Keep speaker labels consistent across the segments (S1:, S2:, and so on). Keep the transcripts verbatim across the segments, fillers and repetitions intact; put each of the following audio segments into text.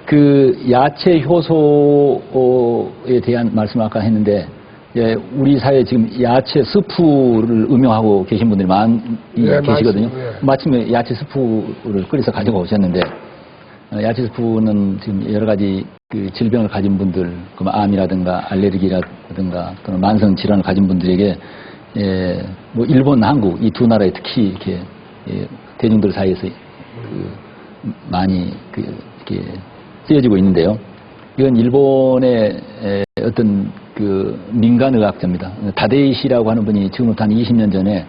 S1: 그 야채 효소에 대한 말씀을 아까 했는데, 예, 우리 사회에 지금 야채 스프를 음용하고 계신 분들이 많이
S2: 네,
S1: 계시거든요.
S2: 맞습니다. 예.
S1: 마침에 야채 스프를 끓여서 가지고 오셨는데, 어, 야채 스프는 지금 여러 가지 그 질병을 가진 분들, 그 암이라든가 알레르기라든가 또는 만성 질환을 가진 분들에게 예, 뭐 일본, 한국 이 두 나라에 특히 이렇게 예, 대중들 사이에서 그 많이 그 이렇게 쓰여지고 있는데요. 이건 일본의 에, 어떤 그 민간의학자입니다. 다데이 씨라고 하는 분이 지금부터 한 이십 년 전에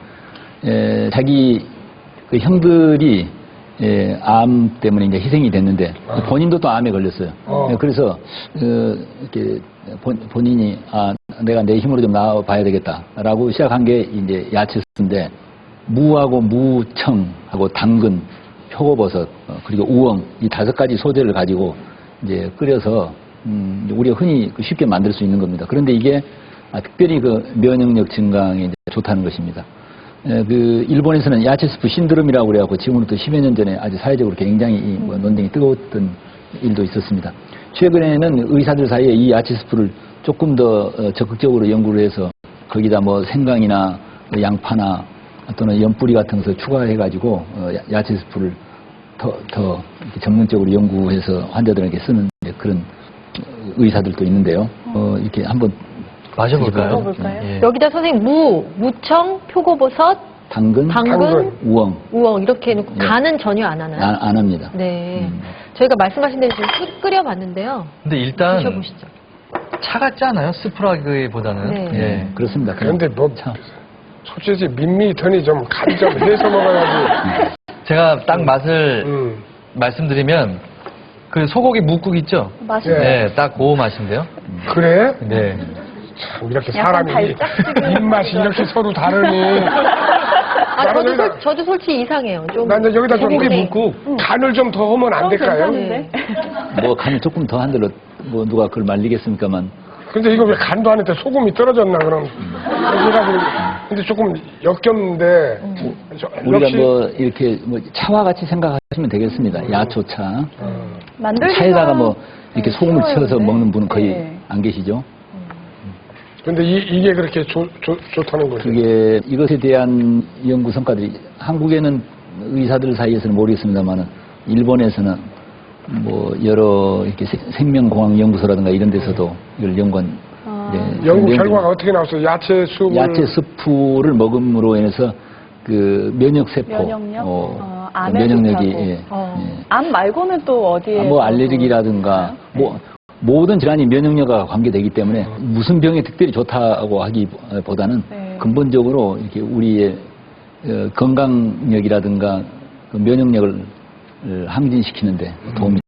S1: 에, 자기 그 형들이 예, 암 때문에 이제 희생이 됐는데
S2: 아.
S1: 본인도 또 암에 걸렸어요.
S2: 어.
S1: 예, 그래서 어, 이렇게 본, 본인이 아 내가 내 힘으로 좀 나와봐야 되겠다라고 시작한 게 이제 야채인데 무하고 무청하고 당근, 표고버섯 어, 그리고 우엉 이 다섯 가지 소재를 가지고 이제 끓여서 음, 우리가 흔히 쉽게 만들 수 있는 겁니다. 그런데 이게 아, 특별히 그 면역력 증강에 이제 좋다는 것입니다. 에, 그 일본에서는 야채 스프 신드롬이라고 그래갖고 지금부터 십여 년 전에 아주 사회적으로 굉장히 이, 뭐, 논쟁이 뜨거웠던 일도 있었습니다. 최근에는 의사들 사이에 이 야채 스프를 조금 더 어, 적극적으로 연구를 해서 거기다 뭐 생강이나 뭐 양파나 또는 연뿌리 같은 것을 추가해가지고 어, 야, 야채 스프를 더, 더 이렇게 전문적으로 연구해서 환자들에게 쓰는 그런 의사들도 있는데요. 어, 이렇게 한번
S3: 마셔볼까요?
S4: 먹어볼까요?
S3: 예.
S4: 여기다 선생님 무, 무청, 표고버섯,
S1: 당근,
S4: 당근,
S2: 당근.
S1: 우엉
S4: 우엉 이렇게 해놓고
S1: 예.
S4: 간은 전혀 안 하나요?
S1: 안, 안 합니다.
S4: 네.
S1: 음.
S4: 저희가 말씀하신 대로 지금 끓- 끓여봤는데요.
S3: 근데 일단
S4: 드셔보시죠.
S3: 차갑지 않아요? 스프라기보다는.
S4: 네.
S3: 예.
S1: 그렇습니다. 그냥
S2: 그런데 뭐
S1: 참.
S2: 솔직히 밋밋하니 좀 간 좀 해서 먹어야지.
S3: 제가 딱 맛을
S2: 음.
S3: 말씀드리면 그 소고기 묵국 있죠?
S4: 맛있어요.
S2: 예.
S3: 네, 딱 그 맛인데요.
S2: 그래?
S3: 네.
S2: 참 이렇게
S4: 약간
S2: 사람이
S4: 달짝지근.
S2: 입맛이 이렇게 서로 다르니.
S4: 아,
S2: 나는
S4: 저도,
S2: 여기다-
S4: 솔, 저도 솔직히 이상해요. 좀.
S2: 난 이제 여기다 좀
S3: 소고기
S4: 네.
S3: 묵국.
S2: 간을 좀 더 하면 안 될까요?
S4: 네.
S1: 뭐 간을 조금 더 한들로 뭐 누가 그걸 말리겠습니까만
S2: 근데 이거 왜 간도 안 했대 소금이 떨어졌나 그럼. 그래가지고 근데 조금 역겹는데. 저-
S1: 우리가
S2: 역시
S1: 뭐 이렇게 뭐 차와 같이 생각하시면 되겠습니다. 야초차.
S5: 만들기가
S1: 차에다가 뭐 이렇게
S5: 네,
S1: 소금을
S5: 쉬워요,
S1: 쳐서
S5: 근데.
S1: 먹는 분은 거의
S5: 네.
S1: 안 계시죠.
S2: 근데 이, 이게 그렇게 좋, 좋, 좋다는 거죠.
S1: 그게 이것에 대한 연구 성과들이 한국에는 의사들 사이에서는 모르겠습니다만은 일본에서는 뭐 여러 이렇게 세- 생명공학 연구소라든가 이런 데서도 이걸 연구한
S5: 아.
S1: 이제
S2: 연구
S1: 내용들이-
S2: 결과가 어떻게 나왔어요? 야채 수분.
S1: 야채 스프를 먹음으로 인해서 그 면역 세포,
S5: 면역력?
S1: 어,
S5: 어,
S1: 그
S5: 암에
S1: 면역력이
S5: 좋다고.
S1: 예,
S4: 어.
S1: 예.
S5: 암 말고는 또 어디에?
S1: 아, 뭐 알레르기라든가 뭐 모든 질환이 면역력과 관계되기 때문에 무슨 병에 특별히 좋다고 하기보다는
S5: 네.
S1: 근본적으로 이렇게 우리의 어, 건강력이라든가 그 면역력을 어, 항진시키는데 도움이